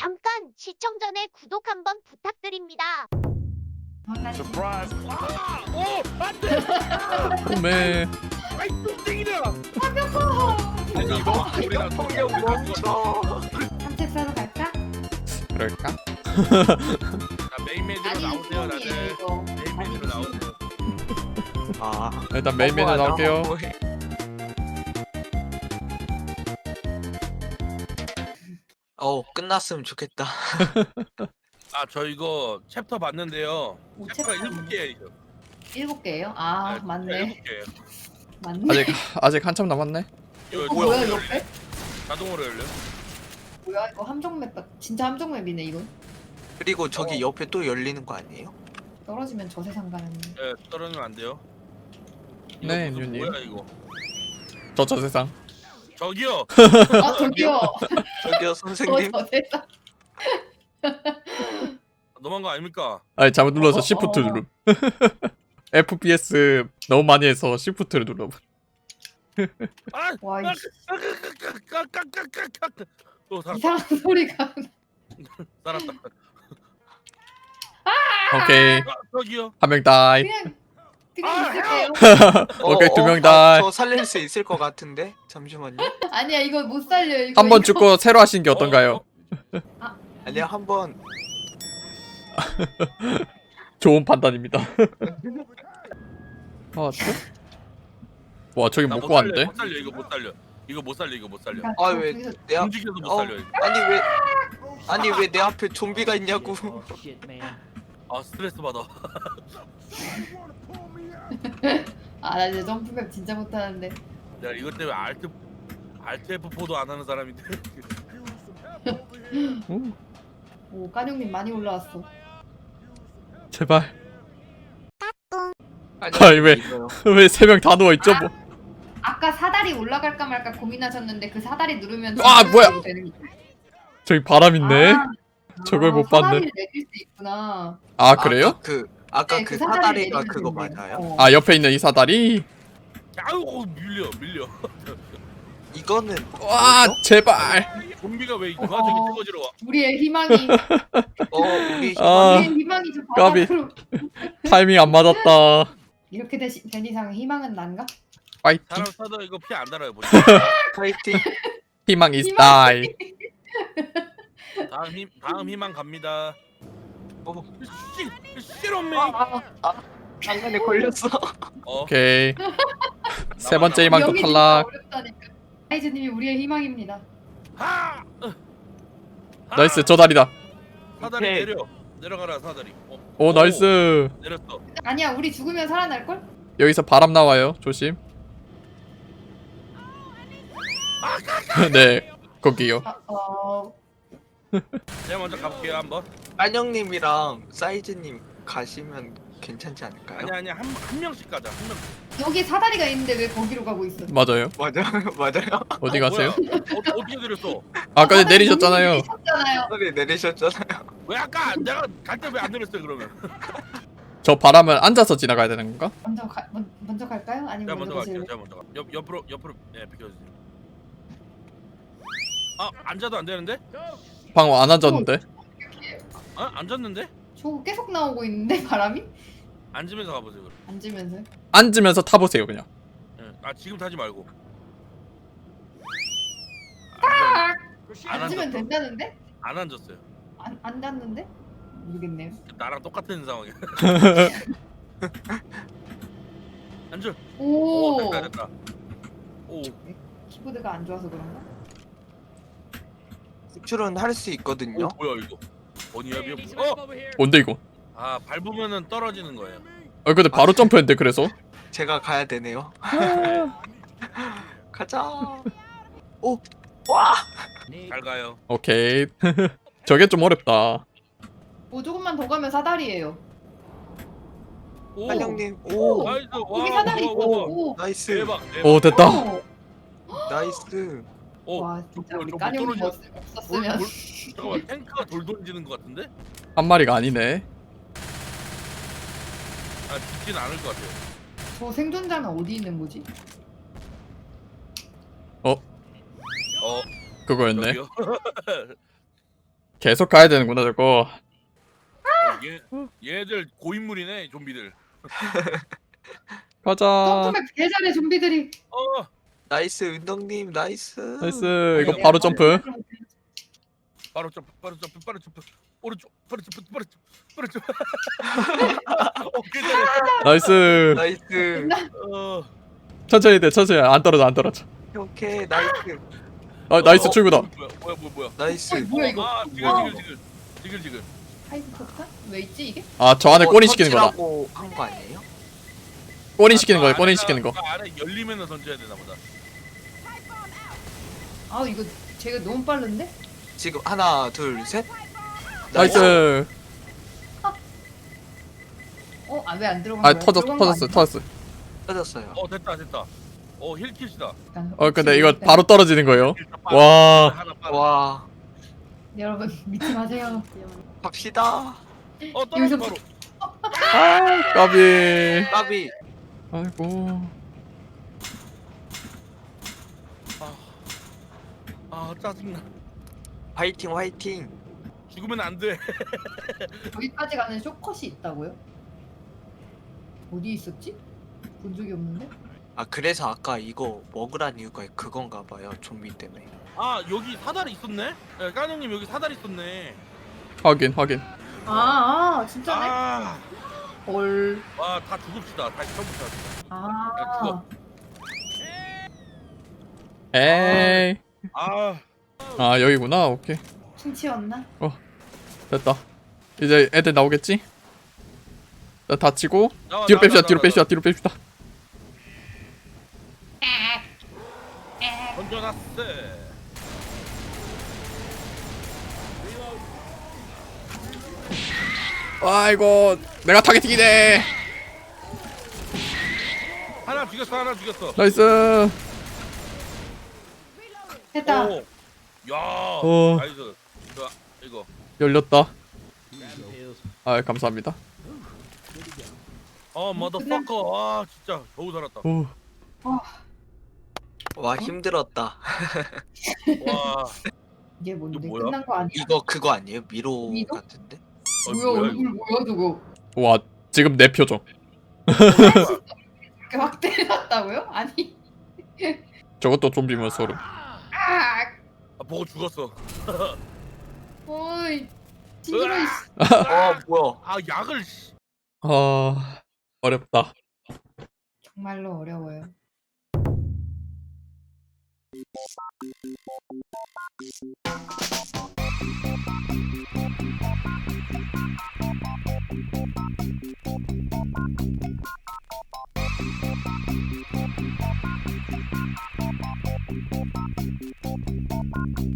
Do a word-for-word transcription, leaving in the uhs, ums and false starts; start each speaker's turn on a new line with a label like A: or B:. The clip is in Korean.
A: 잠깐 시청 전에 구독 한번 부탁드립니다.
B: 서프라이즈. 아! 오! 안 돼!
C: 오메.
B: 아이 뚱땡이다.
D: 아니 이거
B: 우리랑
D: 통역 멈춰.
E: 산책 사러 갈까?
C: 그럴까?
B: 자, 메인 메뉴로
E: 아니
B: 나오세요,
E: 이거
B: 다들.
E: 이거.
B: 메인 메뉴로 나오세요.
D: 아
C: 일단 메인 메뉴 나올게요.
D: 어 끝났으면 좋겠다.
B: 아, 저 이거 챕터 봤는데요.
E: 오,
B: 챕터가
E: 챕터
B: 일곱 개예요.
E: 일곱 개예요? 아
B: 네,
E: 맞네.
B: 일곱 개예요.
E: 맞네.
C: 아직 아직 한참 남았네.
B: 이거
E: 어, 뭐야
B: 자동으로
E: 옆에?
B: 열려. 자동으로 열려.
E: 뭐야 이거 함정 맵 같- 진짜 함정 맵이네 이거.
D: 그리고 저기
B: 어.
D: 옆에 또 열리는 거 아니에요?
E: 떨어지면 저 세상 가는.
B: 예, 떨어지면 안 돼요. 이거
C: 네,
B: 무슨
C: 윤님.
B: 뭐야 이거?
C: 저 저 세상.
B: 저기요.
E: 아 저기요.
D: 저기요
E: 어,
D: 선생님.
E: 저 세상.
B: 너무한 거 아닙니까?
C: 아니 잘못 눌러서
E: 어,
C: 시프트
E: 어.
C: 누름. 에프피에스 너무 많이 해서 시프트를 눌러.
B: 아!
E: 와 이,
B: 까까까까까까까까. 또 살았다.
E: 이상한 소리가.
B: 살았다.
C: 오케이
B: 아, 저기요.
C: 한 명 다이.
E: 그냥 그냥
B: 아,
E: 있을게요.
C: 오케이, 두명
D: 아,
C: 다.
D: 저 살릴 수 있을 것 같은데 잠시만요.
E: 아니야 이거 못 살려 이거.
C: 한 번
E: 이거.
C: 죽고 새로 하신 게 어떤가요?
D: 아니야 한번
C: 좋은 판단입니다. 아, 또? 와 저기
B: 나
C: 못
B: 못
C: 구하는데?
B: 살려, 못 살려 이거 못 살려. 이거 못 살려 이거 못 살려.
E: 그러니까
D: 아
E: 저
D: 왜
E: 저기서-
D: 내 앞?
B: 움직여도 못
D: 어
B: 살려. 이거.
D: 아니 왜 아니 왜 내 앞에 좀비가 있냐고.
B: 아 스트레스 받아.
E: 아, 나 이제 점프맵 진짜 못하는데.
B: 내가 이것 때문에 알트 알트 에프 포도 안 하는 사람인데.
C: 오,
E: 오, 까뇽님 많이 올라왔어.
C: 제발.
D: 아니
C: 아니, 왜?
D: 이거요.
C: 왜 세 명 다 누워 있죠? 뭐?
E: 아까 사다리 올라갈까 말까 고민하셨는데 그 사다리 누르면
C: 아,
E: 점프
C: 뭐야?
E: 되는 거.
C: 저기 바람 있네.
E: 아,
C: 저걸 못
E: 사다리를
C: 봤네.
E: 내릴 수 있구나.
C: 아 그래요?
D: 아까 그 아까
E: 네,
D: 그
E: 사다리를
D: 사다리가
E: 내리면
D: 그거
E: 된대요.
D: 맞아요?
E: 어.
C: 아 옆에 있는 이 사다리.
B: 아우 밀려 밀려.
D: 이거는
C: 와
D: 뭐죠?
C: 제발.
B: 좀비가 왜 이거
E: 어.
B: 저기 찍어지러 와?
E: 우리의 희망이
D: 어 우리
C: 아
E: 우리의 희망이 저
C: 까비.
E: 바닥으로
C: 타이밍 안 맞았다.
E: 이렇게 되시, 된 이상 희망은 난가?
C: 파이팅.
B: 사람 써도 이거 피 안 달아요. 보시.
D: 파이팅.
C: 희망 is
E: 희망.
C: die.
B: 다음 힘 다음 희망 갑니다.
D: 어.
B: 씨 씨롬메.
D: 아, 아, 장난에 걸렸어.
B: 어.
C: 오케이. 세 번째 희망도
E: 여기 진짜
C: 탈락.
E: 어렵다니까. 하이즈님이 우리의 희망입니다.
B: 하. 하!
C: 나이스 저 다리다.
B: 사다리
D: 오케이.
B: 내려. 내려가라 사다리. 어.
C: 오 나이스.
B: 내렸어.
E: 아니야 우리 죽으면 살아날 걸?
C: 여기서 바람 나와요. 조심. 네 거기요.
E: 아, 어
B: 제가 먼저 가볼게요 한번.
D: 안영님이랑 사이즈님 가시면 괜찮지 않을까요?
B: 아니 아니 한 한 명씩 가자. 한 명.
E: 여기 사다리가 있는데 왜 거기로 가고 있어?
C: 맞아요.
D: 맞아요, 맞아요.
C: 어디
B: 어,
C: 가세요?
B: 뭐야? 어, 어떻게 내렸어?
C: 아까 전에
E: 사다리
C: 내리셨잖아요.
E: 내리셨잖아요.
D: 소리 내리셨잖아요.
B: 왜 아까 내가 갈 때 왜 안 내렸어요 그러면?
C: 저 바람을 앉아서 지나가야 되는 건가?
E: 먼저 가 먼, 먼저 갈까요?
B: 제가
E: 아니면
B: 먼저
E: 먼저
B: 갈게요.
E: 가실래요?
B: 제가 먼저 가. 옆 옆으로 옆으로 네 비켜주세요. 아 앉아도 안 되는데?
C: 방금 안 앉았는데.
B: 아 앉았는데?
E: 저 계속 나오고 있는데 바람이?
B: 앉으면서 가보세요 그럼.
E: 앉으면서.
C: 앉으면서 타보세요 그냥.
B: 예. 아 지금 타지 말고.
E: 아!
B: 안
E: 앉으면
B: 앉았어.
E: 된다는데?
B: 안 앉았어요.
E: 안 앉았는데? 모르겠네요.
B: 나랑 똑같은 상황이야. 앉아.
E: 오,
B: 오 됐다 됐다. 오.
E: 키보드가 안 좋아서 그런가?
D: 수출은 할 수 있거든요.
B: 오 뭐야 이거? 버니야비야? 어?
C: 뭔데 이거?
B: 아 밟으면은 떨어지는 거예요.
C: 어 근데 바로 점프했는데 그래서.
D: 제가 가야 되네요. 가자. 오, 와.
B: 잘 가요.
C: 오케이. 저게 좀 어렵다.
E: 오, 조금만 더 가면 사다리예요.
B: 오.
D: 안영님, 오,
B: 나이스. 와.
E: 여기 사다리
B: 와,
E: 있고.
B: 와, 와.
E: 오,
D: 나이스,
B: 대박. 대박.
C: 오 됐다.
E: 오.
D: 나이스.
B: 오.
E: 와, 진짜 우리
B: 저
E: 까뇽
B: 못
E: 버스
B: 돌,
E: 없었으면.
B: 돌, 잠깐만 탱크가 돌 던지는 것 같은데?
C: 한 마리가 아니네.
B: 아 죽진 않을 것 같아요.
E: 저 생존자는 어디 있는 거지?
B: 어
C: 그거였네.
B: 저기요.
C: 계속 가야 되는구나 저거.
B: 어, 얘 얘들 고인물이네 좀비들.
C: 가자.
E: 점프맵 개 잘해 좀비들이.
B: 어
D: 나이스 은덕님 나이스.
C: 나이스. 이거 바로 점프.
B: 바로 점프 바로 점프 바로 점프 오른쪽 바로 점프 바로 점프 바로 점프. 어 괜찮아.
C: 나이스.
D: 나이스.
B: 어
C: 천천히 돼. 천천히. 안 떨어져. 안 떨어져.
D: 오케이 나이스.
C: 아 나이스
B: 어,
C: 출구다.
B: 뭐야 뭐야 뭐야 뭐야.
D: 나이스.
E: 어, 뭐야 이거?
B: 아 지글 지글 지글 지글 지글.
E: 하이브 폭탄? 왜 있지 이게?
C: 아 저 안에 꼬린 시키는 거다.
D: 터치라고 한 거 아니에요?
C: 꼬린 시키는
B: 아,
C: 거야.
B: 그
C: 꼬린
B: 안에가-
C: 시키는 거.
B: 그 안에 열리면은 던져야 되나 보다.
E: 아 이거 제가 너무 빠른데?
D: 지금 하나 둘 셋.
C: 나이스.
E: 어? 아 왜 안 들어간
C: 아
E: 거야?
C: 터졌어.
E: 들어간 거
C: 터졌어.
E: 아니야?
C: 터졌어.
D: 터졌어요.
B: 어 됐다 됐다. 어 힐킷이다.
E: 일단
C: 어 근데
E: 혹시
C: 이거
E: 일단
C: 바로 떨어지는 거예요.
B: 일단 빠르-
C: 와.
B: 하나 빠르.
D: 와
E: 여러분 믿지 마세요.
D: 갑시다.
B: 어 떨어져
E: 여기서-
B: 바로.
C: 아 까비.
D: 까비.
C: 아이고.
B: 아, 아 짜증나.
D: 화이팅 화이팅.
B: 죽으면 안 돼.
E: 여기까지 가는 쇼컷이 있다고요? 어디 있었지? 본 적이 없는데?
D: 아 그래서 아까 이거 먹으란 이유가 그건가 봐요. 좀비 때문에.
B: 아 여기 사다리 있었네. 예, 까누님 여기 사다리 있었네.
C: 확인 확인.
E: 아, 아 진짜네?
B: 아,
E: 헐.
B: 와 다 죽읍시다. 다시 처음부터.
E: 아.
B: 야, 그거.
C: 에이.
B: 아,
C: 아 여기구나. 오케이.
E: 킹치였나?
C: 됐다. 이제 애들 나오겠지? 자, 다치고
B: 나와,
C: 뒤로
B: 나와,
C: 뺍시다.
B: 나와,
C: 뒤로
B: 나와.
C: 뺍시다. 뒤로 뺍시다.
B: 던져놨어.
C: 아이고 내가 타겟팅이네.
B: 하나 죽였어, 하나 죽였어.
C: 나이스.
E: 됐다.
B: 오, 야,
C: 어.
B: 나이스. 좋아, 이거.
C: 열렸다. 아 감사합니다.
B: 어, 머더퍼커. 아, 진짜 겨우 살았다.
C: 오.
D: 와 힘들었다.
B: 와,
E: 이게 뭔데?
B: 이거 뭐야?
E: 끝난 거 아니야?
D: 이거 그거 아니에요? 미로
E: 미로?
D: 같은데?
B: 어,
E: 뭐야
B: 뭐야,
E: 얼굴 뭐야 저거?
C: 와 지금 내 표정.
E: 이렇게 확 때렸다고요? 아니.
C: 저것도 좀비면 소름.
E: 아.
B: 아, 보고 죽었어.
E: 어이. 징그러. 이
D: 어 뭐야?
B: 아, 약을. 씨.
C: 아 어렵다.
E: 정말로 어려워요.